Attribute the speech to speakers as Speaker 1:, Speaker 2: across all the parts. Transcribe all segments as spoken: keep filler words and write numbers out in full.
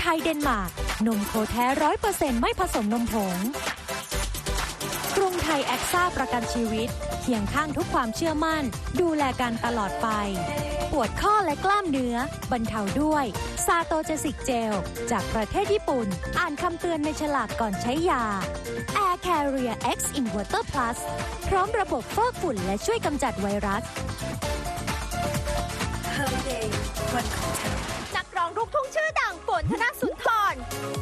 Speaker 1: ทยเดนมาร์กนมโคแท้ร้อยเปอร์เซ็นต์ไม่ผสมนมผงกรุงไทยแอคซ่าประกันชีวิตเคียงข้างทุกความเชื่อมั่นดูแลกันตลอดไปปวดข้อและกล้ามเนื้อบรรเทาด้วยซาโตเจสิกเจลจากประเทศญี่ปุ่นอ่านคำเตือนในฉลากก่อนใช้ยา Air Carrier X Inverter Plus พร้อมระบบฟอกฝุ่นและช่วยกำจัดไวรัส
Speaker 2: Holiday วันของเธอนักร้องลูกทุ่งชื่อดังฝนธนสุนทร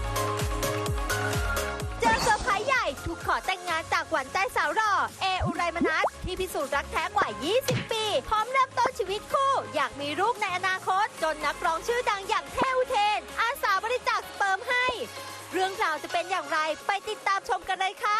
Speaker 2: เจอเซอร์ไพรส์ใหญ่ถูกขอแต่งงานจากหวานใจสาวหล่อเออุไรมนัสที่พิสูจน์รักแท้กว่า ยี่สิบ ปี พร้อมเริ่มต้นชีวิตคู่ อยากมีลูกในอนาคต จนนักร้องชื่อดังอย่างเทวเทน อาสาบริจาคสเปิร์มให้ เรื่องราวจะเป็นอย่างไรไปติดตามชมกันเลยค่ะ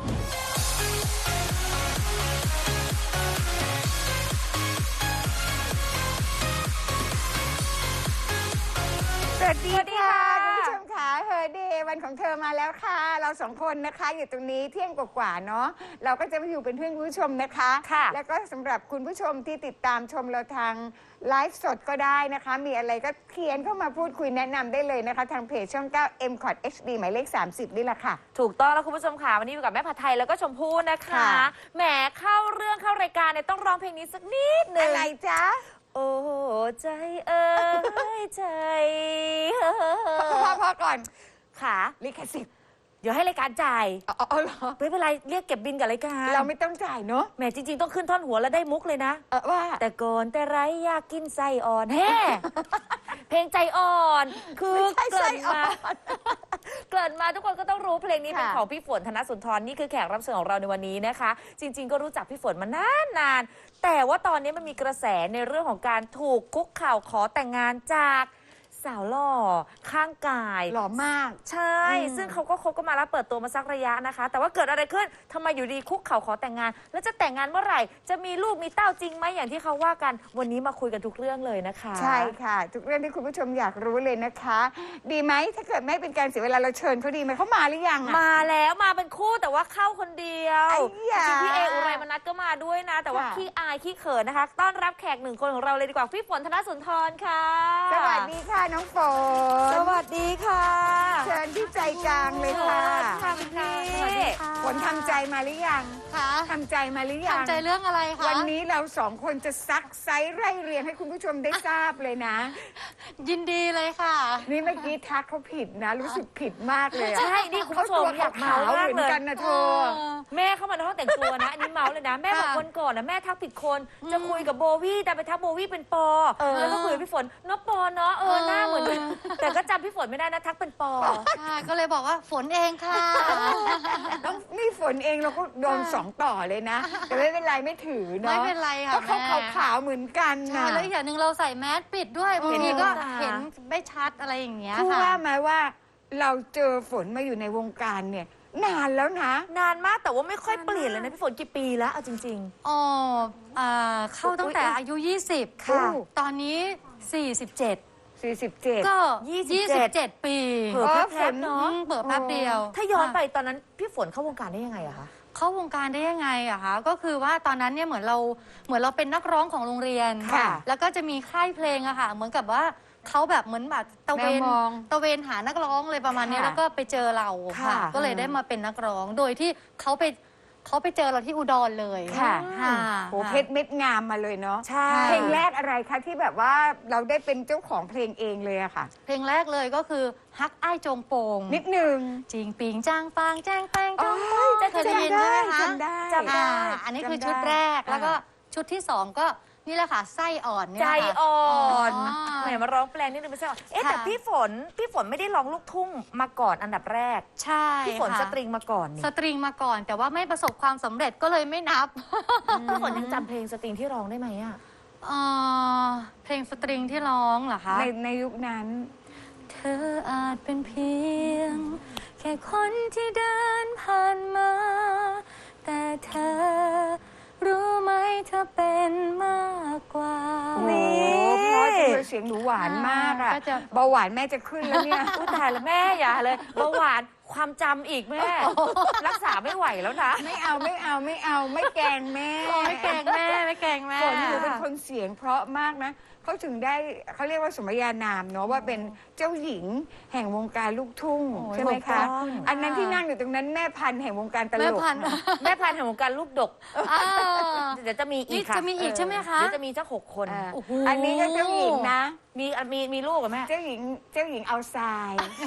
Speaker 3: สวัสดีค่ะคุณผู้ชมค่ะเฮอเดย์วันของเธอมาแล้วค่ะเราสองคนนะคะอยู่ตรงนี้เที่ยงกว่าๆเนาะเราก็จะมาอยู่เป็นเพื่อนคุณผู้ชมนะคะค่ะแล้วก็สำหรับคุณผู้ชมที่ติดตามชมเราทางไลฟ์สดก็ได้นะคะมีอะไรก็เขียนเข้ามาพูดคุยแนะนำได้เลยนะคะทางเพจช่องเก้า เอ็ม คอท เอช ดี หมายเลขสามสิบนี่แหละค่ะ
Speaker 4: ถูกต้องแล้วคุณผู้ชมค่ะวันนี้อยู่กับแม่ผัดไทยแล้วก็ชมพู่นะคะแหมเข้าเรื่องเข้ารายการเนี่ยต้องร้องเพลงนี้สักนิดนึง
Speaker 3: อะไรจ๊ะ
Speaker 4: โอ้ใจเอ้ยใจ
Speaker 3: พอพอก่อน
Speaker 4: ค่ะ
Speaker 3: ลิขสิทธิ์
Speaker 4: เดี๋ยวให้รายการจ่าย
Speaker 3: อ๋อเหรอ
Speaker 4: ไม่เป็นไรเรียกเก็บบินกับรายการ
Speaker 3: เราไม่ต้องจ่ายเนาะ
Speaker 4: แหมจริงๆต้องขึ้นท่อนหัวแล้วได้มุกเลยนะ
Speaker 3: เออว่า
Speaker 4: แต่ก่อนแต่ไรอยากกินไส้อ่อนแฮ่เพลงใจอ่อนคือเกิดมาเกิดมาทุกคนก็ต้องรู้เพลงนี้เป็นของพี่ฝนธนสุนทรนี่คือแขกรับเชิญของเราในวันนี้นะคะจริงๆก็รู้จักพี่ฝนมานานนานแต่ว่าตอนนี้มันมีกระแสในเรื่องของการถูกคุกเข่าขอแต่งงานจากสาวหล่อข้างกาย
Speaker 3: หล่อมาก
Speaker 4: ใช่ซึ่งเขาก็คบกันมาแล้วเปิดตัวมาสักระยะนะคะแต่ว่าเกิดอะไรขึ้นทำไมอยู่ดีคุกเข่าขอแต่งงานแล้วจะแต่งงานเมื่อไหร่จะมีลูกมีเต้าจริงไหมอย่างที่เขาว่ากันวันนี้มาคุยกันทุกเรื่องเลยนะคะ
Speaker 3: ใช่ค่ะทุกเรื่องที่คุณผู้ชมอยากรู้เลยนะคะดีไหมถ้าเกิดไม่เป็นการเสียเวลาเราเชิญเขาดีไหมเขามาหรือยัง
Speaker 4: มาแล้วมาเป็นคู่แต่ว่าเข้าคนเดียวจริงๆพี่เออุไรมนัสก็มาด้วยนะแต่ว่าขี้อายขี้เขินนะคะต้อนรับแขกหนึ่งคนของเราเลยดีกว่าพี่ฝนธนสุนทรค่ะ
Speaker 3: สวัสดีค่ะน้องฝน
Speaker 4: สวัสดีค่ะ
Speaker 3: เชิญที่ใจกลางเลยค่ะ
Speaker 4: ค่ะพี่
Speaker 3: ฝนทำใจมาหรือยัง
Speaker 5: คะ
Speaker 3: ทำใจมาหรือยัง
Speaker 5: ทำใจเรื่องอะไรคะ
Speaker 3: วันนี้เราสองคนจะซักไซส์ไล่เรียงให้คุณผู้ชมได้ทราบเลยนะ
Speaker 5: ยินดีเลยค่ะ
Speaker 3: นี่เมื่อกี้ทักเขาผิดนะรู้สึกผิดมากเลย
Speaker 4: ใช่นี่คุณผู้ชมอยากเมาส์
Speaker 3: เหมือนกันนะเธอ
Speaker 4: แม่เข้ามาในห้องแต่งตัวนะอันนี้เมาส์เลยนะแม่บอกวันก่อนนะแม่ทักผิดคนจะคุยกับโบวี่แต่ไปทักโบวี่เป็นปอแล้วก็คุยกับพี่ฝนเนาะปอเนาะเออหน้าเหมือนแต่ก็จำพี่ฝนไม่ได้นะทักเป็นปอ
Speaker 5: ก็เลยบอกว่าฝนเองค่ะ
Speaker 3: ต้องนี่ฝนเองเราก็โดนสองต่อเลยนะแต่ไม่เป็นไรไม่ถือเนาะ
Speaker 5: ไม่เป็นไรค่ะ
Speaker 3: เพราะเขาขาวๆเหมือนกันนะ
Speaker 5: แล้วอีกอย่างหนึ่งเราใส่แมสปิดด้วยบางทีก็เห็นไม่ชัดอะไรอย่างเงี้ย
Speaker 3: ค่ะว่าไหมว่าเราเจอฝนมาอยู่ในวงการเนี่ยนานแล้วนะ
Speaker 4: นานมากแต่ว่าไม่ค่อยเปลี่ยนเลยนะพี่ฝนกี่ปีแล้วเอาจริง
Speaker 5: ๆอ๋อเข้าตั้งแต่อายุยี่สิบค่ะตอนนี้สี่สิบเจ็ด
Speaker 3: สี่สิบเจ็ด
Speaker 5: ก็ยี่สิบเจ็ดปี
Speaker 4: เผื่อแป๊บเนาะ
Speaker 5: เผื่อแป๊บเดียว
Speaker 4: ถ้าย้อนไปตอนนั้นพี่ฝนเข้าวงการได้ยังไงอะคะ
Speaker 5: เข้าวงการได้ยังไงอะคะก็คือว่าตอนนั้นเนี่ยเหมือนเราเหมือนเราเป็นนักร้องของโรงเรียนค่ะแล้วก็จะมีค่ายเพลงอะค่ะเหมือนกับว่าเขาแบบเหมือนแบบตะเวนตะเวนหานักร้องเลยประมาณนี้แล้วก็ไปเจอเราค่ะก็เลยได้มาเป็นนักร้องโดยที่เขาไปเขาไปเจอเราที่อุดรเลย
Speaker 3: ค่ะโหเพชรเม็ดงามมาเลยเนาะ
Speaker 4: ใช่
Speaker 3: เพลงแรกอะไรคะที่แบบว่าเราได้เป็นเจ้าของเพลงเองเลยอะค่ะ
Speaker 5: เพลงแรกเลยก็คือฮักอ้ายจงโปง
Speaker 3: นิดนึง
Speaker 5: จริงปิงจ้างฟางแจ้งแป้งจงโปงจะเคยได้ยินใช่ไหมคะ
Speaker 3: จำได้
Speaker 5: จำได้อันนี้คือชุดแรกแล้วก็ชุดที่สองก็นี่แหละค่ะไส้อ่อน
Speaker 4: ใจอ่อนแหมมาร้องแปลงนิดนึงไม่ใช่เอ๊ะแต่พี่ฝนพี่ฝนไม่ได้ร้องลูกทุ่งมาก่อนอันดับแรก
Speaker 5: ใช่
Speaker 4: พี่ฝนสตริงมาก่อน
Speaker 5: สตริงมาก่อนแต่ว่าไม่ประสบความสำเร็จก็เลยไม่นับ
Speaker 4: พี่ฝนยังจำเพลงสตริงที่ร้องได้ไหมอะ
Speaker 5: เพลงสตริงที่ร้องเหรอคะ
Speaker 3: ในในยุคนั้น
Speaker 5: เธออาจเป็นเพียงแค่คนที่เดินผ่านมาแต่เธอรู้ไหมเธอเป็นมากกว่า
Speaker 3: นี่เพราะจะเสียงหนูหวานมากอะเบาหวานแม่จะขึ้นแล้วเนี่ย
Speaker 4: อุ้ยตายแล้วแม่อย่าเลยเบาหวานความจำอีกแม่ รักษาไม่ไหวแล้วนะ
Speaker 3: ไม่เอาไม่เอาไม่เอาไม่แกล้งแม่
Speaker 5: ไม่แกล้งแม่ไม่แกล้งแม่
Speaker 3: ฝนหนูเป็นคนเสียงเพราะมากนะเขาถึงได้เขาเรียกว่าสมญานามเนาะว่าเป็นเจ้าหญิงแห่งวงการลูกทุ่ง
Speaker 4: โอ้ย
Speaker 3: ใช่ไหม
Speaker 4: ถูกต้
Speaker 3: คะ
Speaker 4: อง
Speaker 3: อันนั้นที่นั่งอยู่ตรงนั้นแม่พันธุ์แห่งวงการตล
Speaker 5: แม่
Speaker 3: ก
Speaker 5: พันธุ์
Speaker 3: ค่ะ
Speaker 4: แม่พันธุ์แห่งวงการลูกดก
Speaker 5: อ้าว
Speaker 4: เดี๋ยวจะมีอี
Speaker 5: นี่
Speaker 4: กค่ะ
Speaker 5: จะมีอีกใช่ไหมคะ
Speaker 4: เดี๋ยวจะมีเจ้าหกคน
Speaker 3: อ่า
Speaker 5: โอ้โห
Speaker 3: อันนี้ก็เจ้าหญิงนะ
Speaker 4: มีมีมีลูกกับแม่
Speaker 3: เจ้าหญิงเจ้าหญิงเอาทราย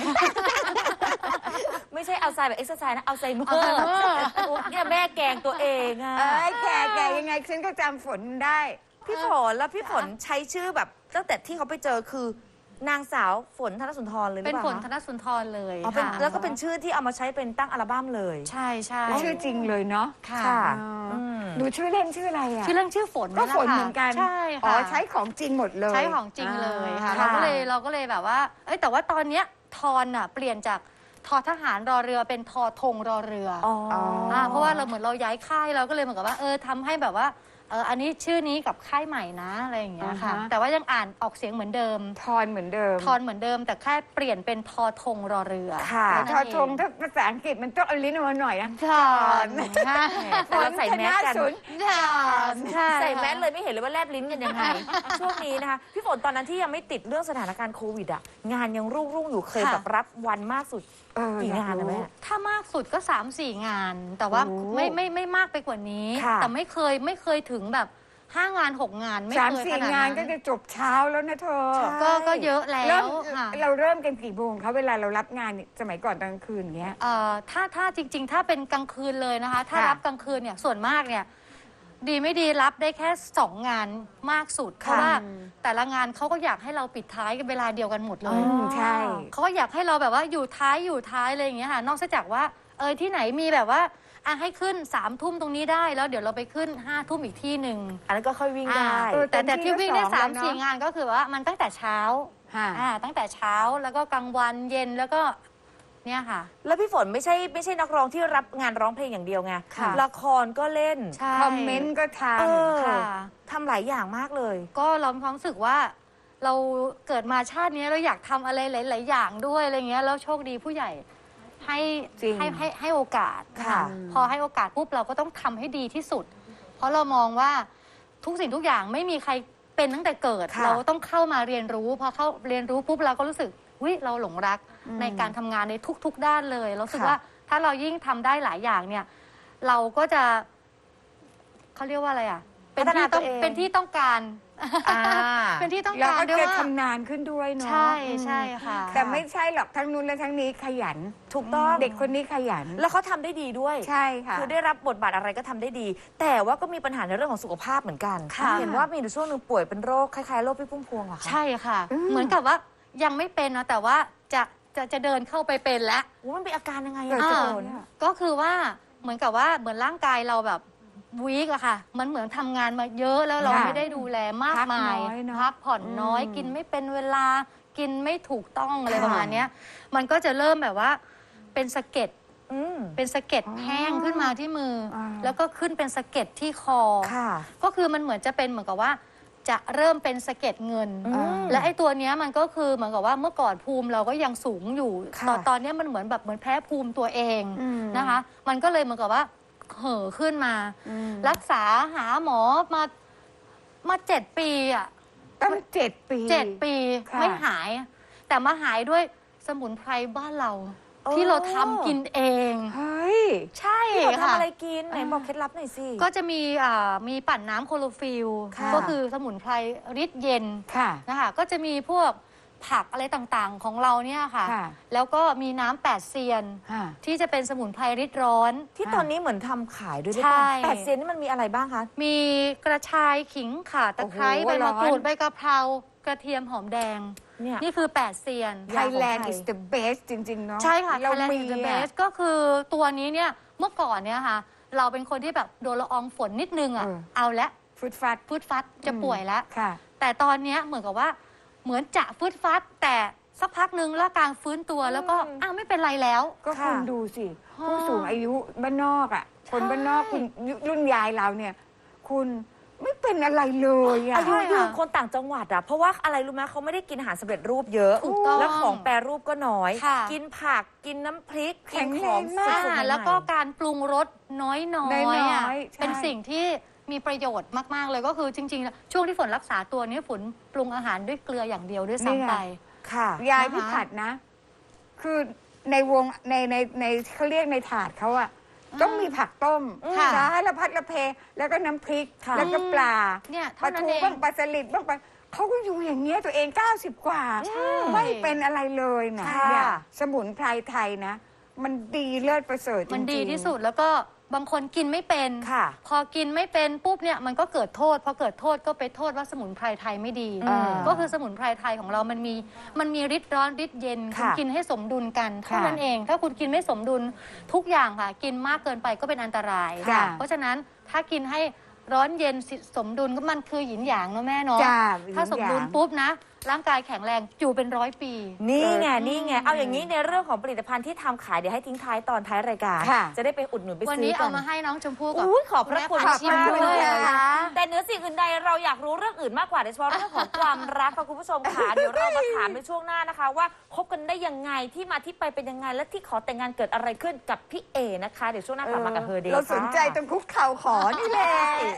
Speaker 4: ไม่ใช่เอาไซด์แบบเอ็กซ์ไซส์นะ เอาไซเมอ
Speaker 5: เอาไซ
Speaker 4: ร์
Speaker 5: เมอร์
Speaker 4: เนี่ยแม่แกงตัวเองอะ
Speaker 3: เอ้ยแกแกยังไงฉันก็จำฝนได้
Speaker 4: พี่ฝนแล้วพี่ฝนใช้ชื่อแบบตั้งแต่ที่เขาไปเจอคือนางสาวฝนธนสุนทรเลยหรือ
Speaker 5: เป็น
Speaker 4: เปล่า
Speaker 5: ฝนธ
Speaker 4: คะ
Speaker 5: นสุนทรเลย
Speaker 4: อ๋อเป็น
Speaker 5: ค่ะ
Speaker 4: แล้วก็เป็นชื่อที่เอามาใช้เป็นตั้งอัลบั้มเลย
Speaker 5: ใช่ใช่
Speaker 3: ชื่อจริงเลยเนาะ
Speaker 5: ค่ะ
Speaker 4: ค่ะ
Speaker 3: อ๋อ
Speaker 4: อืม
Speaker 3: หนูชื่อเล่นชื่ออะไรอ่ะ
Speaker 5: ชื่อเรื่องชื่อฝน
Speaker 3: ก็
Speaker 5: แหละ
Speaker 3: ฝน
Speaker 5: ค่ะ
Speaker 3: เหมือนกัน
Speaker 5: ใช่
Speaker 3: อ๋
Speaker 5: ค่ะ
Speaker 3: อใช้ของจริงหมดเลย
Speaker 5: ใช้ของจริงเลยค่ะ
Speaker 3: อ่า
Speaker 5: เราก็เลยเราก็เลยแบบว่าเอ้ยแต่ว่าตอนเนี้ยทอนอ่ะเปลี่ยนจากทอทหารรอเรือเป็นทอธงรอเรืออ
Speaker 4: อ๋ออ
Speaker 5: อ่าเพราะว่าเราเหมือนเราย้ายค่ายเราก็เลยเหมือนกับว่าเออทำให้แบบว่าเอออันนี้ชื่อนี้กับค่ายใหม่นะอะไรอย่างเงี้ยค่ะ
Speaker 3: อ่าฮะ
Speaker 5: แต่ว่ายังอ่านออกเสียงเหมือนเดิม
Speaker 3: ทอนเหมือนเดิม
Speaker 5: ทอนเหมือนเดิม แต่แค่เปลี่ยนเป็นทอธงรอเรือ
Speaker 4: ค่ะ
Speaker 5: แค่
Speaker 3: ท
Speaker 5: นั้น
Speaker 3: อ
Speaker 5: เ
Speaker 3: ทงถ้าภาษาอังกฤษมันต้องเอาลิ้นออกมาหน่อยนะ
Speaker 5: ทอนค่ะ
Speaker 4: แต่เราใส่แมสกัน
Speaker 3: ฝธศูนย์
Speaker 5: ทอนใช่
Speaker 4: ใส่แมสเลยไม่เห็นเลยว่าแลบลิ้นกันยังไง ช่วงนี้นะคะ พี่ฝนตอนนั้นที่ยังไม่ติดเรื่องสถานการณ์โควิดอ่ะ งานยังรุ่งรุ่งๆอยู่เคยแบบรับวันมากสุด
Speaker 3: เออ
Speaker 4: กี่งานนะแม่
Speaker 5: ถ้ามากสุดก็สามสี่งาน แต่ว่า
Speaker 3: โอ้
Speaker 5: ไม่ไม่ไม่มากไปกว่านี้
Speaker 4: ค่ะ
Speaker 5: แต่ไม่เคยไม่เคยถึงแบบห้างานหกงานไม่
Speaker 3: สาม
Speaker 5: เคย
Speaker 3: สี่
Speaker 5: ขนาด
Speaker 3: งาน
Speaker 5: นั้น
Speaker 3: ก็จะจบเช้าแล้วนะเธอ
Speaker 4: ใช่
Speaker 5: ก็ก็เยอะแล้
Speaker 3: เริ่
Speaker 5: ว
Speaker 3: ม
Speaker 5: ค่ะ
Speaker 3: เราเริ่มกันกี่โมงคะเวลาเรารับงานสมัยก่อนตอนกลางคืนอย่างเงี้ย
Speaker 5: เอ่อถ้าถ้าจริง ๆ ถ้าเป็นกลางคืนเลยนะคะ ถ้า
Speaker 3: ค่ะ
Speaker 5: รับกลางคืนเนี่ยส่วนมากเนี่ยดีไม่ดีรับได้แค่สองงานมากสุด เพราะว่าแต่ละงานเขาก็อยากให้เราปิดท้ายกันเวลาเดียวกันหมดเล
Speaker 3: อื
Speaker 5: ย
Speaker 3: มใช่
Speaker 5: เขาก็อยากให้เราแบบว่าอยู่ท้ายอยู่ท้ายอะไรอย่างเงี้ยค่ะนอกจากว่าเออที่ไหนมีแบบว่าอ่ะให้ขึ้นสามทุ่มตรงนี้ได้แล้วเดี๋ยวเราไปขึ้นห้าทุ่มอีกที่หนึ่ง
Speaker 4: อันนั้นก็ค่อยวิ่งได้
Speaker 5: อ่า
Speaker 3: เออ
Speaker 5: แต่แต่ที่วิ่งได้
Speaker 3: เต็มที่ก็
Speaker 5: สาม
Speaker 3: สอง
Speaker 5: สี่
Speaker 3: แล้วเนอะ
Speaker 5: งานก็คือว่ามันตั้งแต่เช้า
Speaker 3: ค่ะ
Speaker 5: อ่าตั้งแต่เช้าแล้วก็กลางวันเย็นแล้วก็เนี่ยค่ะ
Speaker 4: แล้วพี่ฝนไม่ใช่ไม่ใช่นักร้องที่รับงานร้องเพลงอย่างเดียวไง
Speaker 5: ค่ะ
Speaker 4: ละครก็เล่น
Speaker 5: ใช่
Speaker 3: คอมเมนต์ก็ท
Speaker 4: เออ
Speaker 5: ค่ะ
Speaker 4: ทำหลายอย่างมากเลย
Speaker 5: ก็เรามีความรู้สึกว่าเราเกิดมาชาตินี้เราอยากทำอะไรหลาย ๆ อย่างด้วยอะไรเงี้ยแล้วโชคดีผู้ใหญ่ให้
Speaker 3: จริง
Speaker 5: ให้ให้ให้โอกาส
Speaker 4: ค่ะ
Speaker 5: พอให้โอกาสปุ๊บเราก็ต้องทำให้ดีที่สุด เพราะเรามองว่าทุกสิ่งทุกอย่างไม่มีใครเป็นตั้งแต่เกิด
Speaker 4: ค่ะ
Speaker 5: เราต้องเข้ามาเรียนรู้พอเข้าเรียนรู้ปุ๊บเราก็รู้สึกวิเราหลงรักในการทำงานในทุก ๆ ด้านเลยเรารู้สึกว่าถ้าเรายิ่งทำได้หลายอย่างเนี่ย เราก็จะเขาเรียกว่าอะไรอ่ะ เป็นที่ต้อง
Speaker 4: พัฒนาตัวเอง
Speaker 5: เป็นที่ต้องการ
Speaker 4: อ่า
Speaker 5: เป็นที่ต้อง
Speaker 3: ำเรา
Speaker 5: การ
Speaker 3: ก็
Speaker 5: ด้วย
Speaker 3: จะ
Speaker 5: ว่า
Speaker 3: ทำนานขึ้นด้วยเนาะ
Speaker 5: ใช่ใช่ค่ะ
Speaker 3: แต่ไม่ใช่หรอกทั้งนู้นและทั้งนี้ขยัน
Speaker 4: ถูกต้อง
Speaker 3: เด็กคนนี้ขยัน
Speaker 4: แล้วเขาทำได้ดีด้วย
Speaker 3: ใช่ค่ะ
Speaker 4: คือได้รับบทบาทอะไรก็ทำได้ดี แต่ว่าก็มีปัญหาในเรื่องของสุขภาพเหมือนกัน
Speaker 5: ค่ะ
Speaker 4: เห็นว่ามีอยู่ช่วงหนึ่งป่วยเป็นโรคคล้ายๆโรคพี่พุ่มพวงเหรอคะ
Speaker 5: ใช่ค่ะ เหมือนกับว่ายังไม่เป็นนะแต่ว่าจะจะจะเดินเข้าไปเป็นแล้ว
Speaker 4: ว่ามันเป็นอาการยังไง
Speaker 3: เกิด
Speaker 4: อะ
Speaker 3: จาก
Speaker 5: อ่า
Speaker 3: อะไรอะ
Speaker 5: ก็คือว่าเหมือนกับว่าเหมือนร่างกายเราแบบวีกอะค่ะ มันเหมือนทำงานมาเยอะแล้วเรา
Speaker 3: ค่ะ
Speaker 5: ไม่ได้ดูแลมาก
Speaker 3: พัก
Speaker 5: มาย
Speaker 3: น้อยเนอะ
Speaker 5: พักผ่อนน้อย
Speaker 3: อืม
Speaker 5: กินไม่เป็นเวลากินไม่ถูกต้องอะไร
Speaker 3: ค่ะ
Speaker 5: ประมาณเนี้ยมันก็จะเริ่มแบบว่าเป็นสะเก็ด
Speaker 4: อืม
Speaker 5: เป็นสะเก็ดแห้งขึ้นมาที่มืออา แล้วก็ขึ้นเป็นสะเก็ดที่คอ
Speaker 4: ค่ะ
Speaker 5: ก็คือมันเหมือนจะเป็นเหมือนกับว่า จะเริ่มเป็นสะเก็ดเงิน
Speaker 4: อืม
Speaker 5: และไอ้ตัวเนี้ยมันก็คือเหมือนกับว่าเมื่อก่อนภูมิเราก็ยังสูงอยู่
Speaker 4: ค่ะ
Speaker 5: ตอนตอนเนี้ยมันเหมือนแบบเหมือนแพ้ภูมิตัวเอง
Speaker 3: อืม
Speaker 5: นะคะ มันก็เลยเหมือนกับว่าเห่อขึ้นมา
Speaker 3: อืม
Speaker 5: รักษาหาหมอมามาเจ็ดปีอ่ะ
Speaker 3: ตั้งเจ็ดปี
Speaker 5: เจ็ดปี
Speaker 3: ค่ะ
Speaker 5: ไม่หาย แต่มาหายด้วยสมุนไพรบ้านเรา
Speaker 4: โอ้
Speaker 5: ที่เราทำกินเอง
Speaker 3: เฮ้ย
Speaker 5: ใช่
Speaker 4: พี่ฝนทำ
Speaker 5: ค่ะ
Speaker 4: อะไรกินไหนบอกเคล็ดลับหน่อยสิ
Speaker 5: ก็จะมีอ่ามีปั่นน้ำโคโลฟิล
Speaker 4: ค่ะ
Speaker 5: ก็คือสมุนไพรฤทธิ์เย็น
Speaker 3: ค่ะ
Speaker 5: นะคะก็จะมีพวกผักอะไรต่างๆของเราเนี่ยค่ะ
Speaker 3: ค่ะ
Speaker 5: แล้วก็มีน้ำแปดเซียน
Speaker 3: ค่ะ
Speaker 5: ที่จะเป็นสมุนไพรฤทธิ์ร้อน
Speaker 4: ที่ตอนนี้เหมือนทำขายด้วย
Speaker 5: ใช่
Speaker 4: แปดเซนนี่มันมีอะไรบ้างคะ
Speaker 5: มีกระชายขิงข่าตะไคร้
Speaker 3: โอ้โห
Speaker 5: ใบมะกรู
Speaker 3: ร้
Speaker 5: ด
Speaker 3: อน
Speaker 5: ใบกะเพรากระเทียมหอมแดง
Speaker 4: เนี่ย
Speaker 5: นี่คือแปดเซียน
Speaker 3: Thailand
Speaker 4: ของไทย
Speaker 3: is the best จริง ๆ เนาะ
Speaker 5: ใช่ค่ะ
Speaker 3: เรา
Speaker 5: Thailand
Speaker 3: มี
Speaker 5: is the
Speaker 3: อะ
Speaker 5: best ก็คือตัวนี้เนี่ยเมื่อก่อนเนี่ยค่ะ เราเป็นคนที่แบบโดนละอองฝนนิดนึงอ่ะ
Speaker 3: เออ
Speaker 5: เอาละ
Speaker 3: ฟุตฟัด
Speaker 5: ฟืดฟัดจะป่วยแล้ว
Speaker 3: ค่ะ
Speaker 5: แต่ตอนเนี้ยเหมือนกับว่าเหมือนจะฟืดฟัด แต่สักพักหนึ่งร่างกายฟื้นตัวแล้วก็อ้าวไม่เป็นไรแล้ว
Speaker 3: ก็
Speaker 4: ค่ะ
Speaker 3: คุณดูสิ ผู้สูงอายุบ้านนอกอ่ะ คนบ้านนอกคุณรุ่นยายเราเนี่ย คุณไม่เป็นอะไรเลยอะ
Speaker 4: อายุ
Speaker 5: ใช่
Speaker 4: ยื
Speaker 5: ค่ะ
Speaker 4: นคนต่างจังหวัดอะเพราะว่าอะไรรู้ไหมเขาไม่ได้กินอาหารสำเร็จรูปเยอะ
Speaker 5: ถูกต้อง
Speaker 4: แล้วของแปรรูปก็น้อย
Speaker 5: ค่ะ
Speaker 4: กินผักกินน้ำพริก
Speaker 3: แข็ง
Speaker 4: กิน
Speaker 3: แรง
Speaker 4: ของ
Speaker 3: มาก
Speaker 4: สดๆใหม่ๆ
Speaker 5: แล้วก็การปรุงรสน้อยๆ
Speaker 3: น้
Speaker 5: อะ
Speaker 3: อยๆใช่
Speaker 5: เป็นสิ่งที่มีประโยชน์มาก ๆ เลยก็คือจริง ๆ ช่วงที่ฝนรักษาตัวนี้ฝนปรุงอาหารด้วยเกลืออย่างเดียวด้วยซ้ำไป
Speaker 4: ค่ะ
Speaker 3: ยาย
Speaker 5: นะคะ
Speaker 3: พี่ผัดนะ คือในวงในในในเขาเรียกในถาดเขาอะต้องมีผักต้ม
Speaker 5: ค่ะ
Speaker 3: สารพัดละเพ แล้วก็น้ำพริก
Speaker 4: ค่ะ
Speaker 3: แล้วก็ปลา
Speaker 5: เนี่ย
Speaker 3: ปลา
Speaker 5: เท่านั้น
Speaker 3: ทู
Speaker 5: เอง
Speaker 3: บ้างปลาสลิดบ้างปลาเขาก็อยู่อย่างเงี้ยตัวเองเก้าสิบกว่า ไม่เป็นอะไรเลยนะ
Speaker 4: ค่ะ
Speaker 3: เนี่ยสมุนไพรไทยนะ มันดีเลิศประเสริฐจริงๆ
Speaker 5: มันดีที่สุดแล้วก็บางคนกินไม่เป็น
Speaker 4: ค่ะ
Speaker 5: พอกินไม่เป็นปุ๊บเนี่ยมันก็เกิดโทษพอเกิดโทษก็ไปโทษว่าสมุนไพรไทยไม่ดี
Speaker 4: อ่า
Speaker 5: ก็คือสมุนไพรไทยของเรามันมีมันมีฤทธิ์ร้อนฤทธิ์เย็นคุณ
Speaker 4: ค่ะ
Speaker 5: กินให้สมดุลกันเท่า
Speaker 3: ค่ะ
Speaker 5: นั้นเอง ถ้าคุณกินไม่สมดุลทุกอย่างค่ะ กินมากเกินไปก็เป็นอันตราย
Speaker 3: ค่ะ
Speaker 5: เพราะฉะนั้นถ้ากินให้ร้อนเย็นสมดุลก็มันคือหยินหยางเนาะแม่เนาะ
Speaker 3: จ้า
Speaker 5: ถ้าสมดุลปุ๊บนะ ร่างกายแข็งแรงอยู่เป็นร้อยปี
Speaker 4: นี่ไง
Speaker 3: เออ
Speaker 4: นี่ไง เอาอย่างนี้ในเรื่องของผลิตภัณฑ์ที่ทำขายเดี๋ยวให้ทิ้งท้ายตอนท้ายรายการ
Speaker 3: ค่ะ
Speaker 4: จะได้ไปอุดหนุนไป
Speaker 5: วัน
Speaker 4: ซื้
Speaker 5: นี้
Speaker 4: อกั
Speaker 5: เอา
Speaker 4: น
Speaker 5: มาให้น้องชมพู่กับ
Speaker 4: อุ้ยขอบพระคุณ
Speaker 5: แม่
Speaker 4: มาก
Speaker 5: ชิม
Speaker 4: ๆ
Speaker 5: ด้
Speaker 4: เล
Speaker 5: วย
Speaker 4: ย
Speaker 3: นะคะ
Speaker 4: แต่เหนือสิ่งอื่นใดเราอยากรู้เรื่องอื่นมากกว่าโดยเฉพาะเรื่องของความรักค่ะคุณผู้ชมค่ะ เดี๋ยวเรามาถามในช่วงหน้านะคะ ว่าคบกันได้ยังไงที่มาที่ไปเป็นยังไงและที่ขอแต่งงานเกิดอะไรขึ้นกับพี่เอนะคะเดี๋ยวช่วงหน้ากลับมากับเฮอเดย์
Speaker 3: เราสนใจตรงคุกเข่าขอนี่แหละ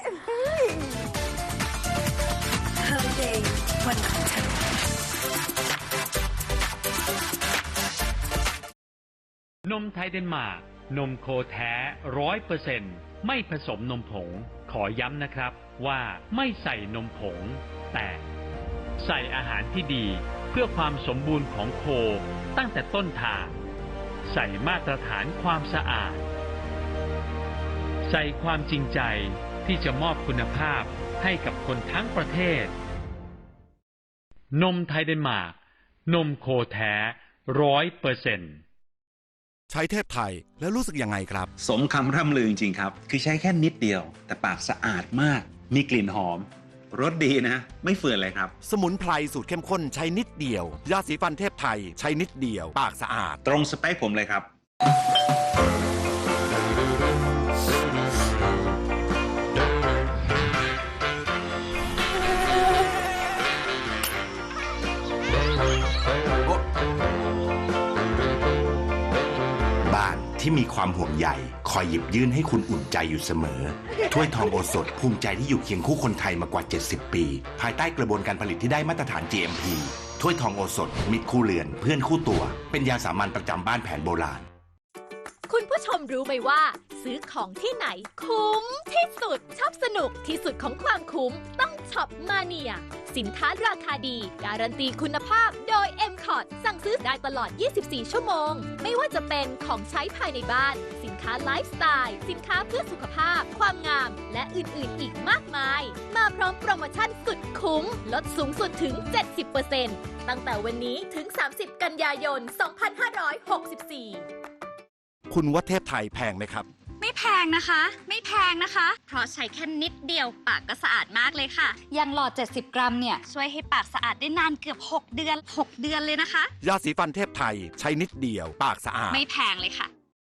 Speaker 6: นมไทยเดนมาร์กนมโคแท้ร้อยเปอร์เซ็นต์ไม่ผสมนมผง ขอย้ำนะครับว่าไม่ใส่นมผง แต่ใส่อาหารที่ดีเพื่อความสมบูรณ์ของโคตั้งแต่ต้นทาง ใส่มาตรฐานความสะอาด ใส่ความจริงใจที่จะมอบคุณภาพให้กับคนทั้งประเทศ นมไทยเดนมาร์กนมโคแท้ร้อยเปอร์เซ็นต์
Speaker 7: ใช้เทพไทยแล้วรู้สึกยังไงครับ
Speaker 8: สมคำร่ำลือจริงๆครับ คือใช้แค่นิดเดียว แต่ปากสะอาดมาก มีกลิ่นหอม รสดีนะ ไม่เฟื่อนเลยครับ
Speaker 7: สมุนไพรสูตรเข้มข้นใช้นิดเดียว ยาสีฟันเทพไทยใช้นิดเดียว ปากสะอาด
Speaker 8: ตรงสเปคผมเลยครับ
Speaker 9: บ้านที่มีความห่วงใยคอยหยิบยื่นให้คุณอุ่นใจอยู่เสมอ ถ้วยทองโอสถภูมิใจที่อยู่เคียงคู่คนไทยมากว่า เจ็ดสิบ ปี ภายใต้กระบวนการผลิตที่ได้มาตรฐาน จี เอ็ม พี ถ้วยทองโอสถมิตรคู่เรือนเพื่อนคู่ตัว เป็นยาสามัญประจำบ้านแผนโบราณ
Speaker 10: คุณผู้ชมรู้ไหมว่า ซื้อของที่ไหนคุ้มที่สุดชอบสนุกที่สุดของความคุ้มต้องช็อปมาเนียสินค้าราคาดี การันตีคุณภาพโดย เอ็ม คอร์ สั่งซื้อได้ตลอด ยี่สิบสี่ ชั่วโมง ไม่ว่าจะเป็นของใช้ภายในบ้าน สินค้าไลฟ์สไตล์สินค้าเพื่อสุขภาพ ความงาม และอื่นๆ อีกมากมาย มาพร้อมโปรโมชั่นสุดคุ้มลดสูงสุดถึง เจ็ดสิบเปอร์เซ็นต์ ตั้งแต่วันนี้ถึง สามสิบ กันยายน สองพันห้าร้อยหกสิบสี่
Speaker 7: คุณว่าเทพไทยแพงไหมครับ
Speaker 11: ไม่แพงนะคะ ไม่แพงนะคะ เพราะใช้แค่นิดเดียวปากก็สะอาดมากเลยค่ะ อย่างหลอด เจ็ดสิบ กรัมเนี่ย ช่วยให้ปากสะอาดได้นานเกือบ หก เดือน หก เดือนเลยนะคะ
Speaker 7: ยาสีฟันเทพไทยใช้นิดเดียว ปากสะอาด
Speaker 11: ไม่แพงเลยค่ะ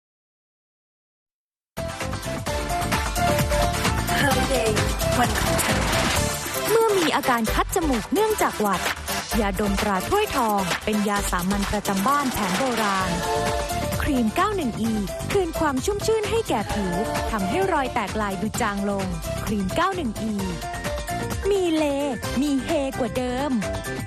Speaker 1: เมื่อมีอาการคัดจมูกเนื่องจากหวัด ยาดมตราถ้วยทอง เป็นยาสามัญประจำบ้านแผนโบราณ ครีม เก้าสิบเอ็ด อี คืนความชุ่มชื่นให้แก่ผิว ทำให้รอยแตกลายดูจางลง ครีม เก้าสิบเอ็ด อี มีเล มีเฮกว่าเดิม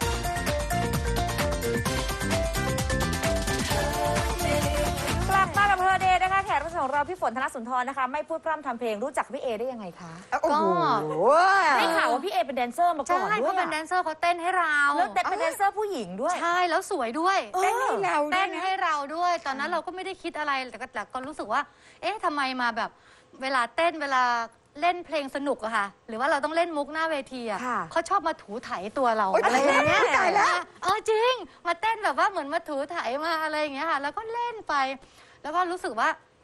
Speaker 4: กลับมากับเฮอเดย์นะคะแขกรับเชิญของเราพี่ฝนธนสุนทรนะคะ ไม่พูดพร่ำทำเพลงรู้จักพี่เอได้ยังไงคะ
Speaker 3: โอ้โห
Speaker 4: ได้ข่าวว่าพี่เอเป็นแดนเซอร์มาก่
Speaker 5: ใช่
Speaker 4: อนด้
Speaker 5: เขา
Speaker 4: วย
Speaker 5: เป็นแดนเซอร์เขาเต้นให้เรา
Speaker 4: แล้วแต่เป็นแดนเซอร์ผู้หญิงด้วย
Speaker 5: ใช่แล้วสวยด้วย
Speaker 3: เต้นให้เราด้ว
Speaker 5: เต้
Speaker 3: ย
Speaker 5: น
Speaker 3: นะ
Speaker 5: ให้เราด้วย ตอนนั้นเราก็ไม่ได้คิดอะไรแต่ก็แต่ก็รู้สึกว่า เอ๊ะทำไมมาแบบ เวลาเต้นเวลาเล่นเพลงสนุกอะค่ะ หรือว่าเราต้องเล่นมุกหน้าเวทีอะ
Speaker 4: ค่ะ
Speaker 5: เขาชอบมาถูไถตัวเรา
Speaker 3: โอ๊ย
Speaker 5: อะไรอย่างเงี้ย
Speaker 3: ตายแล้ว
Speaker 5: เออจริง มาเต้นแบบว่าเหมือนมาถูไถมาอะไรอย่างเงี้ยค่ะ แล้วก็เล่นไป แล้วก็รู้สึกว่า